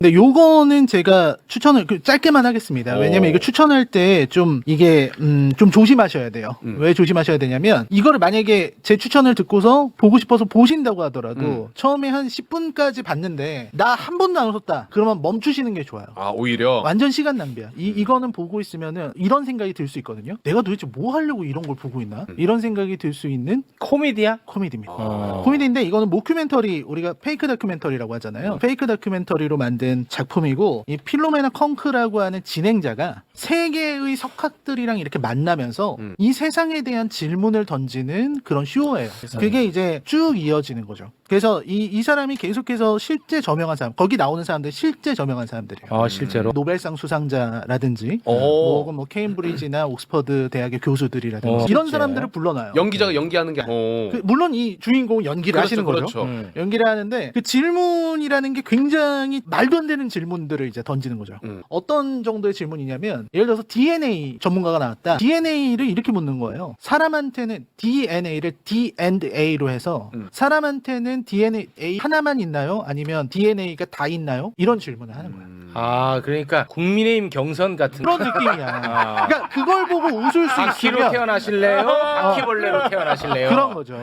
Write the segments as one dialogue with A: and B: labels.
A: 근데 요거는 제가 추천을 짧게만 하겠습니다. 왜냐면 이거 추천할 때 좀 이게 좀 조심하셔야 돼요. 왜 조심하셔야 되냐면 이거를 만약에 제 추천을 듣고서 보고 싶어서 보신다고 하더라도 처음에 한 10분까지 봤는데 나 한 번도 안 웃었다. 그러면 멈추시는 게 좋아요.
B: 아 오히려
A: 완전 시간 낭비야. 이거는 보고 있으면은 이런 생각이 들 수 있거든요. 내가 도대체 뭐 하려고 이런 걸 보고 있나? 이런 생각이 들 수 있는
C: 코미디야?
A: 코미디입니다.
B: 아.
A: 코미디인데 이거는 모큐멘터리, 우리가 페이크 다큐멘터리라고 하잖아요. 페이크 다큐멘터리로 만든 작품이고 이 필로메나 컹크라고 하는 진행자가 세계의 석학들이랑 이렇게 만나면서 이 세상에 대한 질문을 던지는 그런 쇼예요. 그게 이제 쭉 이어지는 거죠. 그래서 이 사람이 계속해서 실제 저명한 사람, 거기 나오는 사람들 실제 저명한 사람들이에요.
C: 아 실제로?
A: 노벨상 수상자라든지
B: 오.
A: 뭐 케임브리지나 옥스퍼드 대학의 교수들이라든지 이런
C: 실제.
A: 사람들을 불러놔요.
B: 연기자가 연기하는 게 아니고
A: 물론 이 주인공은 연기를 하시는 거죠.
B: 그렇죠.
A: 연기를 하는데 그 질문이라는 게 굉장히 말도 안 되는 질문들을 이제 던지는 거죠. 어떤 정도의 질문이냐면 예를 들어서 DNA 전문가가 나왔다. DNA를 이렇게 묻는 거예요. 사람한테는 DNA를 D&A로 해서 사람한테는 DNA 하나만 있나요? 아니면 DNA가 다 있나요? 이런 질문을 하는 거예요.
C: 아 그러니까 국민의힘 경선 같은
A: 그런 느낌이야. 그러니까 그걸 보고 웃을 수
C: 바퀴로
A: 있으면
C: 태어나실래요? 바퀴벌레로 태어나실래요?
A: 그런 거죠.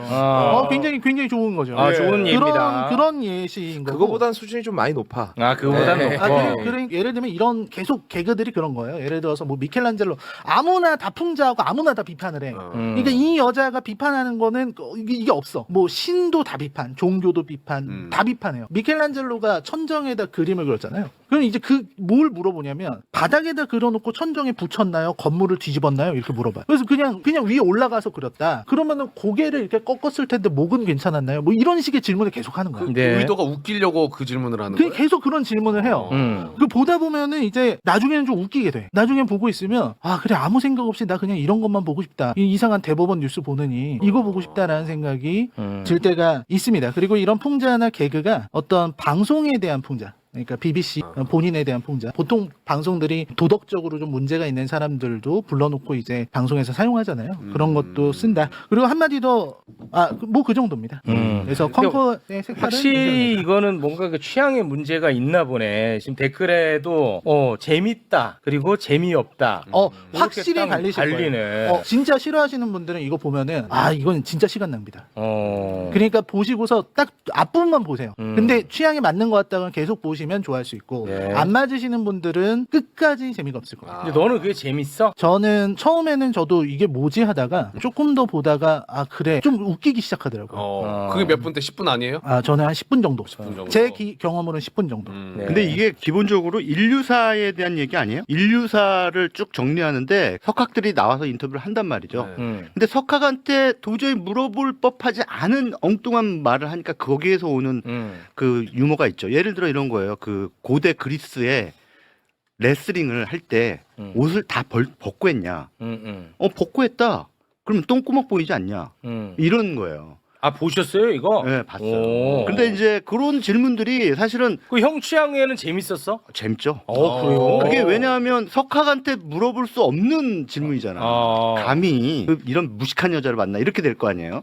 A: 굉장히 좋은 거죠.
C: 아, 좋은 예입니다.
A: 그런 예시인 거고.
D: 그거보단 수준이 좀 많이 높아.
C: 아 그거보단
D: 네.
C: 높고.
A: 예를 들면 이런 계속 개그들이 그런 거예요. 예를 들어서 뭐 미켈란젤로 아무나 다 풍자하고 아무나 다 비판을 해. 그러니까 이 여자가 비판하는 거는 이게 없어. 뭐 신도 다 비판, 종교도 비판, 다 비판해요. 미켈란젤로가 천정에다 그림을 그렸잖아요. 그럼 이제 뭘 물어보냐면 바닥에다 그려놓고 천정에 붙였나요? 건물을 뒤집었나요? 이렇게 물어봐요. 그래서 그냥 위에 올라가서 그렸다. 그러면은 고개를 이렇게 꺾었을 텐데 목은 괜찮았나요? 뭐 이런 식의 질문을 계속 하는 거예요.
C: 네.
B: 의도가 웃기려고 그 질문을 하는 거예요.
A: 계속 그런 질문을 해요. 그 보다 보면은 이제 나중에는 좀 웃기게 돼. 나중에 보고 있으면 아 그래 아무 생각 없이 나 그냥 이런 것만 보고 싶다. 이 이상한 대법원 뉴스 보느니 이거 보고 싶다라는 생각이 들 때가 있습니다. 그리고 이런 풍자나 개그가 어떤 방송에 대한 풍자. 그러니까 BBC 본인에 대한 풍자. 보통 방송들이 도덕적으로 좀 문제가 있는 사람들도 불러놓고 이제 방송에서 사용하잖아요. 그런 것도 쓴다. 그리고 한마디 더, 뭐 그 정도입니다. 그래서 컴포의 색깔은
C: 확실히 이거는 뭔가 그 취향의 문제가 있나 보네. 지금 댓글에도 재밌다 그리고 재미없다.
A: 확실히
C: 딱
A: 갈리실
C: 갈리네.
A: 거예요. 진짜 싫어하시는 분들은 이거 보면은 이건 진짜 시간 낭비다.
C: 어.
A: 그러니까 보시고서 딱 앞부분만 보세요. 근데 취향에 맞는 것 같다면 계속 보시면 좋아할 수 있고
C: 네.
A: 안 맞으시는 분들은 끝까지 재미가 없을 거예요.
C: 근데 너는 그게 재밌어?
A: 저는 처음에는 저도 이게 뭐지 하다가 조금 더 보다가 그래 좀 웃기기 시작하더라고요.
B: 그게 몇 분 때 10분 아니에요?
A: 저는 한 10분 정도.
B: 10분 정도.
A: 제 경험으로는 10분 정도.
C: 네.
E: 근데 이게 기본적으로 인류사에 대한 얘기 아니에요? 인류사를 쭉 정리하는데 석학들이 나와서 인터뷰를 한단 말이죠. 근데 석학한테 도저히 물어볼 법하지 않은 엉뚱한 말을 하니까 거기에서 오는 그 유머가 있죠. 예를 들어 이런 거예요. 그 고대 그리스에 레슬링을 할 때 옷을 다 벗고 했냐? 벗고 했다. 그러면 똥구멍 보이지 않냐? 이런 거예요.
C: 아 보셨어요 이거?
E: 네, 봤어요.
C: 오.
E: 근데 이제 그런 질문들이 사실은
C: 그 형 취향에는 재밌었어?
E: 재밌죠.
C: 그래요?
E: 그게 왜냐하면 석학한테 물어볼 수 없는 질문이잖아. 감히 이런 무식한 여자를 만나 이렇게 될 거 아니에요.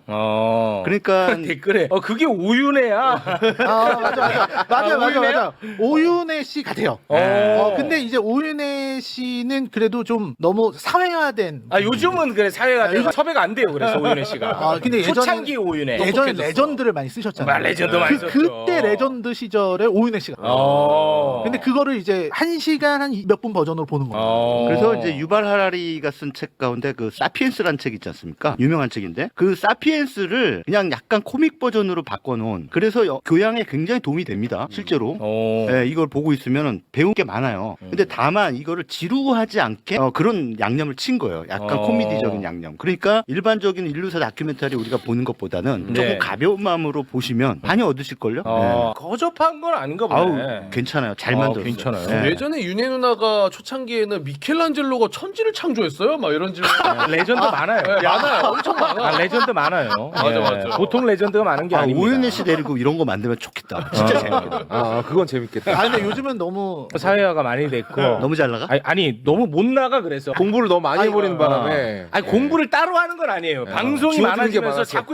E: 그러니까
C: 댓글에 그게 오윤혜야.
A: 맞아. 오윤혜 씨 같아요. 근데 이제 오윤혜 씨는 그래도 좀 너무 사회화된.
C: 요즘은 그래 사회가 섭외가 안 돼요. 그래서 오윤혜 씨가.
A: 근데
C: 초창기 오윤혜.
A: 예전에 레전드를 많이 쓰셨잖아요.
C: 레전드 많이 썼죠.
A: 그때 레전드 시절에 오윤혜 씨가. 근데 그거를 이제 1시간 한 몇 분 버전으로 보는 거예요.
E: 그래서 이제 유발 하라리가 쓴 책 가운데 그 사피엔스라는 책 있지 않습니까? 유명한 책인데 그 사피엔스를 그냥 약간 코믹 버전으로 바꿔놓은 그래서 교양에 굉장히 도움이 됩니다. 실제로. 네, 이걸 보고 있으면 배울 게 많아요. 근데 다만 이거를 지루하지 않게 그런 양념을 친 거예요. 약간 코미디적인 양념. 그러니까 일반적인 인류사 다큐멘터리 우리가 보는 것보다는 조금 가벼운 마음으로 보시면 많이 얻으실걸요? 네.
C: 거접한 건 아닌가 보네.
E: 괜찮아요. 잘 만들었어요.
C: 괜찮아요.
E: 네.
B: 예전에 윤혜 누나가 초창기에는 미켈란젤로가 천지를 창조했어요? 막 이런 질문.
C: 레전드 많아요.
B: 많아요. 엄청 많아.
C: 레전드 많아요.
B: 맞아.
C: 보통 레전드가 많은 게 아닙니다.
E: 오윤혜 씨 데리고 이런 거 만들면 좋겠다. 진짜 재밌겠다.
D: 그건 재밌겠다.
A: 근데 요즘은 너무
C: 사회화가 많이 됐고
E: 너무 잘 나가?
C: 아니 너무 못 나가 그래서
D: 공부를 너무 많이 해버리는 바람에
C: 공부를 따로 하는 건 아니에요. 방송이
D: 주어지는 게
C: 많아지면서
D: 많아서.
C: 자꾸 이제 듣게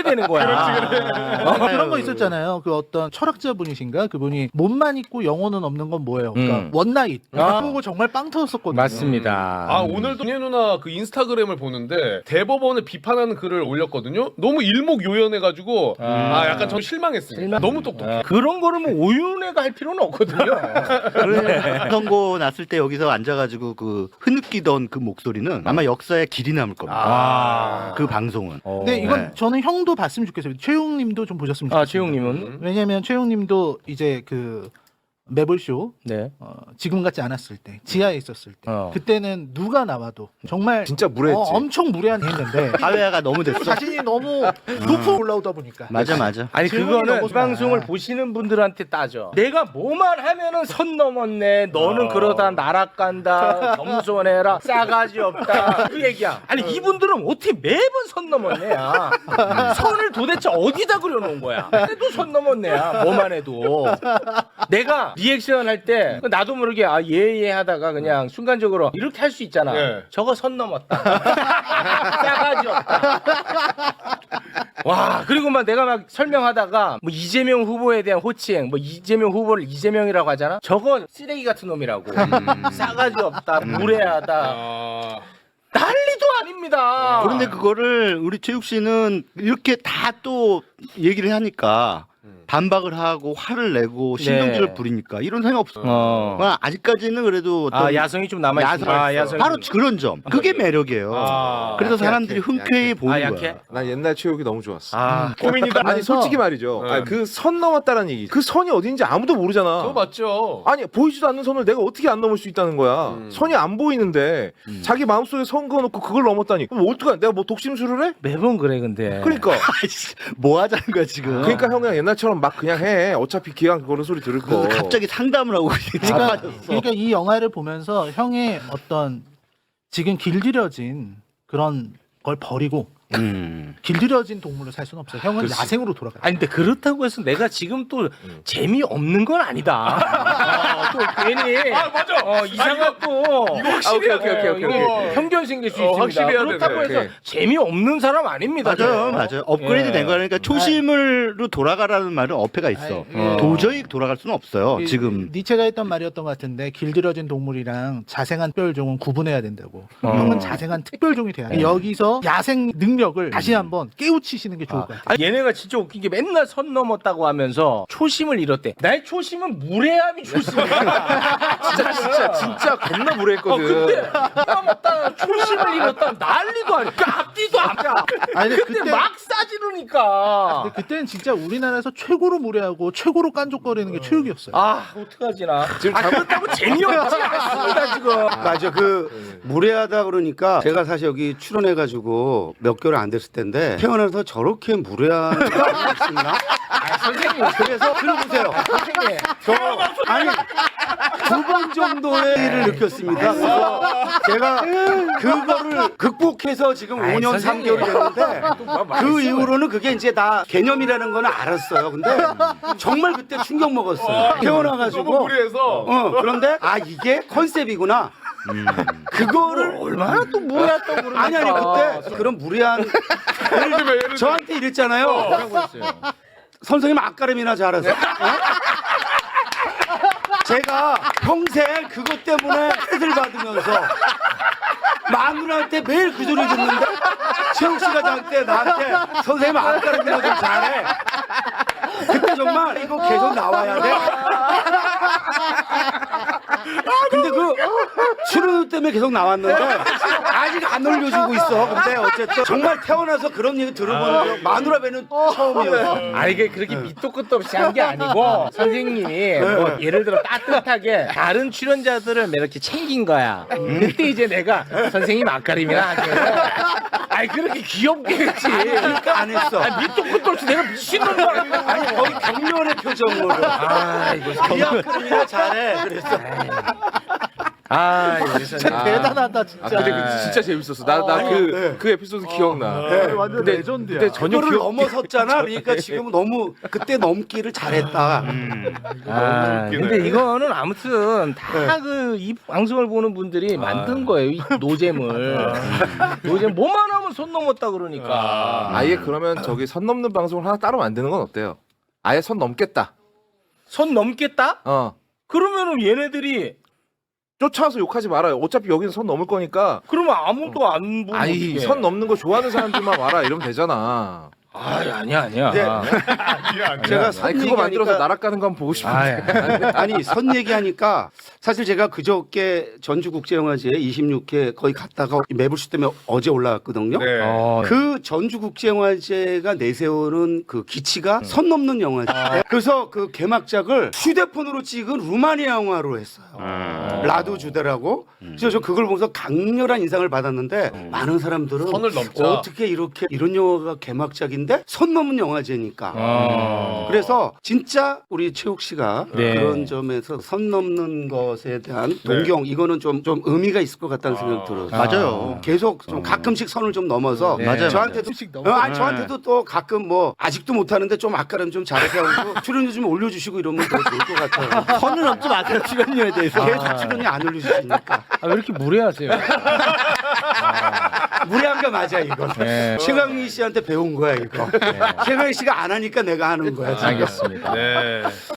C: 되는 거야.
A: 그런 거 있었잖아요. 그 어떤 철학자분이신가 그분이 몸만 있고 영혼은 없는 건 뭐예요? 그러니까 원나잇. 그거 정말 빵 터졌었거든요.
C: 맞습니다.
B: 아 오늘도 예 누나 그 인스타그램을 보는데 대법원을 비판하는 글을 올렸거든요. 너무 일목요연해가지고 약간 좀 실망했습니다. 너무 똑똑해.
C: 그런 거를 뭐 오윤회가 할 필요는 없거든요.
E: 그래. 선거 났을 때 여기서 앉아가지고 그 흐느끼던 그 목소리는 아마 역사에 길이 남을 겁니다. 그 방송은.
A: 근데 이건 저는 형도 봤으면 좋겠어요. 최용님도 좀 보셨으면 좋겠어요.
C: 최용님은
A: 왜냐면 최용님도 이제 그 매블쇼
C: 네.
A: 지금 같지 않았을 때 지하에 있었을 때
C: 어.
A: 그때는 누가 나와도 정말
D: 진짜 무례했지.
A: 엄청 무례한 했는데
E: 사회화가 너무 됐어.
A: 자신이 너무 높아 올라오다 보니까
E: 맞아 맞아.
C: 아니
A: 질문이
C: 그거는
A: 너무
C: 이 방송을
A: 많아.
C: 보시는 분들한테 따져. 내가 뭐만 하면은 선 넘었네. 너는 그러다 나락 간다. 겸손해라. 싸가지 없다. 그 얘기야. 아니 이분들은 어떻게 매번 선 넘었네야. 선을 도대체 어디다 그려놓은 거야. 그래도 선 넘었네야. 뭐만 해도. 내가 리액션 할 때 나도 모르게 예예 하다가 그냥 순간적으로 이렇게 할 수 있잖아.
B: 네.
C: 저거 선 넘었다. 싸가지 없다. 와 그리고 막 내가 막 설명하다가 뭐 이재명 후보에 대한 호칭 뭐 이재명 후보를 이재명이라고 하잖아. 저거 쓰레기 같은 놈이라고. 싸가지 없다. 무례하다.
B: 아...
C: 난리도 아닙니다.
E: 그런데 그거를 우리 최욱 씨는 이렇게 다 또 얘기를 하니까 반박을 하고 화를 내고 신경질을
C: 네.
E: 부리니까 이런 사람이 없어. 아직까지는 그래도 어떤
C: 야성이 좀 남아 있어. 야성이
E: 바로
C: 좀...
E: 그런 점. 그게 매력이에요. 그래서
D: 약해,
E: 사람들이
D: 약해,
E: 흔쾌히
D: 약해.
E: 보는
C: 약해?
E: 거야.
D: 난 옛날 체육이 너무 좋았어.
C: 고민이다.
D: 아니 솔직히 말이죠.
B: 네.
D: 그 선 넘었다는 얘기. 그 선이 어딘지 아무도 모르잖아.
B: 그거 맞죠.
D: 아니 보이지도 않는 선을 내가 어떻게 안 넘을 수 있다는 거야. 선이 안 보이는데 자기 마음속에 선 그어놓고 그걸 넘었다니. 그럼 어떡하냐? 내가 뭐 독심술을 해?
C: 매번 그래 근데.
D: 그러니까.
E: 뭐 하자는 거야 지금.
D: 그러니까 형 그냥 옛날처럼 막 그냥 해. 어차피 기왕 그런 소리 들을 거.
E: 그래서 갑자기 상담을 하고
A: 그러니까 이 영화를 보면서 형의 어떤 지금 길들여진 그런 걸 버리고 길들여진 동물로 살 수는 없어요. 형은 야생으로 돌아가요.
C: 아니 근데 그렇다고 해서 내가 지금 또 재미없는 건 아니다. 또 괜히
B: 맞아.
C: 이상한 또
B: 이거 확실히
D: 오케이.
C: 편견 생길 수 있습니다.
B: 확실히 해야
C: 그렇다고
B: 되네.
C: 해서 재미없는 사람 아닙니다.
E: 맞아요,
C: 저는.
E: 맞아요. 업그레이드 된 거야. 그러니까 초심으로 돌아가라는 말은 어폐가 있어. 도저히 돌아갈 수는 없어요. 지금.
A: 니체가 했던 말이었던 것 같은데 길들여진 동물이랑 자생한 특별종은 구분해야 된다고. 형은 자생한 특별종이 돼야 돼. 여기서 야생 능력을 다시 한번 깨우치시는 게 좋을 것 같아요.
C: 아니, 얘네가 진짜 웃긴 게 맨날 선 넘었다고 하면서 초심을 잃었대. 나의 초심은 무례함이 초심이야.
D: 진짜 겁나 무례했거든.
C: 근데 넘었다 초심을 잃었다 난리도 아니야. 앞뒤도 안 가.
A: 아니,
C: 근데 막 싸지르니까.
A: 근데 그때는 진짜 우리나라에서 최고로 무례하고 최고로 깐족거리는 게 체육이었어요.
C: 어떡하지 나. 그렇다고 재미없지 않습니다 지금.
F: 맞아. 그 무례하다 그러니까 제가 사실 여기 출연해가지고 몇 개월 안 됐을 텐데 태어나서 저렇게 무례한 거 있었나?
C: 선생님.
F: 그래서 들어보세요.
C: 선생님.
F: 아니 2번 정도의 일을 느꼈습니다. 그래서 제가 그거를 극복해서 지금 5년 3개월이 됐는데 그 이후로는 그게 이제 다 개념이라는 건 알았어요. 근데 정말 그때 충격 먹었어요. 태어나가지고
B: 너무 무리해서.
F: 그런데 이게 컨셉이구나. 그거를
C: 얼마나 또 무례했다고 그러니까.
F: 아니 그때 그런 무례한
B: 예를 들면
F: 저한테 이랬잖아요.
C: 뭐라고 했어요?
F: 선생님 앞가름이나 잘하세요. 제가 평생 그것 때문에 뜻을 받으면서 마누라한테 매일 그 소리 듣는데 최욱 씨가 나한테 선생님 앞가름이나 좀 잘해. 그때 정말 이거 계속 나와야 돼. 근데 그 출연 때문에 계속 나왔는데 아직 안 올려주고 있어. 근데 어쨌든 정말 태어나서 그런 얘기 들어보는 적 마누라 배는 처음이었어.
C: 이게 그렇게 밑도 끝도 없이 한 게 아니고 선생님이 뭐 예를 들어 따뜻하게 다른 출연자들을 이렇게 챙긴 거야. 그때 이제 내가 선생님 앞가림이나 하죠. 그렇게 귀엽게 했지.
F: 그러니까 안 했어.
C: 밑도 끝도 없이 내가 미친놈도 아니고.
F: 아니 거의 경련의 표정으로.
C: 이거
F: 이 앞가름이나 잘해. 그랬어.
C: 아, 여기서
A: 대단하다 진짜.
D: 아, 근데 그 진짜 재밌었어. 나 그 에피소드 기억나.
A: 완전 레전드야.
D: 근데 전혀
F: 그거를
D: 기억.
F: 넘어섰잖아. 그러니까 지금 너무 그때 넘기를 잘했다.
C: 아, 근데 이거는 아무튼 다 그 이 방송을 보는 분들이 만든 거예요. 이 노잼을. 노잼 뭐만 하면 손 넘었다 그러니까.
D: 아예 그러면 저기 선 넘는 방송을 하나 따로 만드는 건 어때요? 아예 선 넘겠다.
C: 손 넘겠다?
D: 그러면은
C: 얘네들이
D: 쫓아와서 욕하지 말아요. 어차피 여기는 선 넘을 거니까.
C: 그러면 아무도 안 보면
D: 아이
C: 어떡해.
D: 선 넘는 거 좋아하는 사람들만 와라 이러면 되잖아.
C: 아니야.
F: 제가 선
D: 아니 그거 만들어서
F: 얘기하니까
D: 나락 가는 거 한번 보고 싶은데.
F: 아니 선 얘기하니까 사실 제가 그저께 전주국제영화제 26회 거의 갔다가 매불쇼 때문에 어제 올라왔거든요.
B: 네.
F: 그 전주국제영화제가 내세우는 그 기치가 선 넘는 영화제. 그래서 그 개막작을 휴대폰으로 찍은 루마니아 영화로 했어요. 라두 주데라고. 그래서 저 그걸 보면서 강렬한 인상을 받았는데 많은 사람들은
B: 선을 넘자.
F: 어떻게 이렇게 이런 영화가 개막작인데 선 넘은 영화제니까. 그래서 진짜 우리 최욱 씨가
C: 네.
F: 그런 점에서 선 넘는 것에 대한 동경 이거는 좀 의미가 있을 것 같다는 생각이 들어요.
E: 맞아요.
F: 계속 좀 가끔씩 선을 좀 넘어서
E: 맞아요.
F: 저한테도 저한테도 또 가끔 뭐 아직도 못하는데 좀 아까는 좀 잘해서 하고 출연료 좀 올려주시고 이러면 더 좋을 것 같아요.
E: 선을 넘지 마세요. 출연료에 대해서.
F: 계속 출연이 안 올려주시니까
C: 왜 이렇게 무례하세요?
F: 무례한 거 맞아 이거.
C: 네.
F: 최강희 씨한테 배운 거야 이거. 최강희 씨가 안 하니까 내가 하는 거야. 지금.
C: 알겠습니다.
B: 네.